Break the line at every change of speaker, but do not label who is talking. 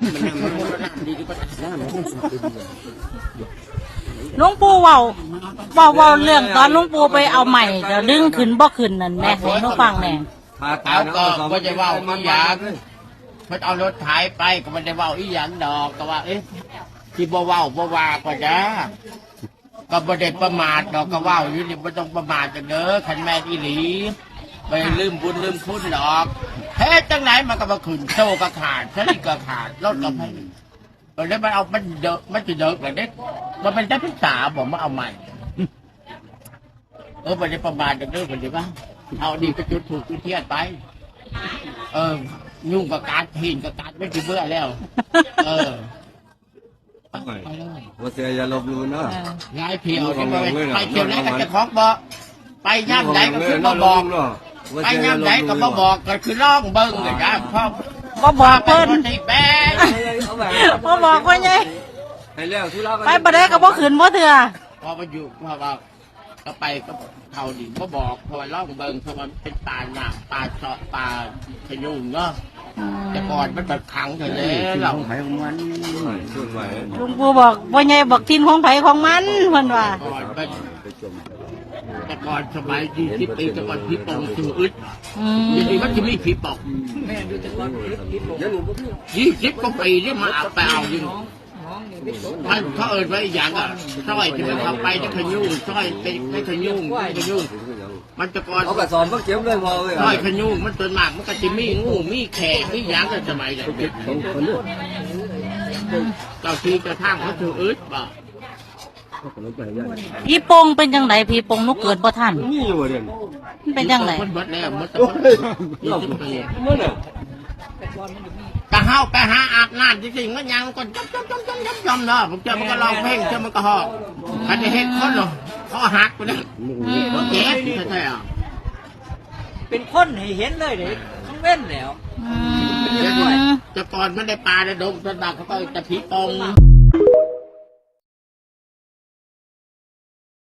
หลวงปู่เว้าเรื่องตอนหลวงปู่ไปเอาใหม่เดี๋ยวดึงขึ้นบ่ขึ้นนั่นแม่ให้หนูฟังแน่
เอาก็จะว่าอีหยังเพิ่นเอารถไถไปก็ไม่ได้ว่าอีหยังดอกก็ว่าที่บ่เว้าบ่ว่าก็จ้าก็บ่ได้ประมาทดอกก็ว่าอยู่นี่บ่ต้องประมาทกันเด้อคันแม่นอีหลีไปลืมบุญลืมคุณดอกเฮ็ดจังไหนมันก็บ่ขึ้นโตก็ขาดสลิก็ขาดรถก็ไม่ตอนนี้มันเอามันเดอะมันจะเดอะแบบนี้มันเป็นเจ้าพิษาผมมาเอาใหม่บ่ได้ประมาทกันเด้อบ่ได้ว่าเอาดีก็จุดถูกจุดเทียนไปยุ่งกับการหินกับการไม่ถึงเบื่อแล้ว
ว่าเสียอย่าลบลู่เนาะ
ย้ายเพียวที่ไปเที่ยวไหนก็จะคล้องบอกไปย่ำไหนก็คือมาบอกไปย่ำไหนก็มาบอกก็คือร้องเบิ้งเลยจ้ะพ่อ
บ่บอกเพิ่น
ตีแป้ง
บ่บอกว่าไงไปบ่ได้ก็บ่ขึ้นบ่เถื่อ
พอมาอยู่พอว่าก็ไปก็เขาดิก็บอกพอร้องเบิ้งเพราะมันเป็นปลาหนักปลาเสาะปลาขยุงเนาะแต่ก่อนมันแบบขังกันเลยเรา
ลุงปู่บอกว่าไงบอกทินของไผของมันเพิ่นว่า
แต่ก่อนสมัย20 ปีแต่ก่อนผีปองสูอึดอย่างนี้มันจะมีผีปอง20 กว่าปีที่มาเอาไปเอายิงมันเขาเอิญไว้อย่างสร้อยที่มันทำไปจะขยุ่งสร้อยเป็นขยุ่งมันจะก่อน
เขากระสอนเขาเก็บเลยพอเลย
สร้อยขยุ่งมันตัวมากมันก็จะมีงูมีแขกมีอย่างกันสมัยนั้นเจ้าทีเจ้าทางเขาสูอึดบ่
ผีปงเป็นจังไดผีปงนุกเกิดบ่ทัน
นี่อยู่เด่น
มันเป็นจังได
มันบดแล้วมัน20 ปีกะเฮาไปหาอาบน้ำจริงๆมันยังก็จำเนาะผมเจอมันก็ร้องเพลงเจอมันก็หอบคันจะเห็นคนหรอเขาหักไปเลยมันเจ็บใช่
เป็นคนให้เห็นเลยเด็กต้องเว้นแล้ว
จะก่อนมันได้ปลาได้ดมจนบางเขาก็จะผีปอง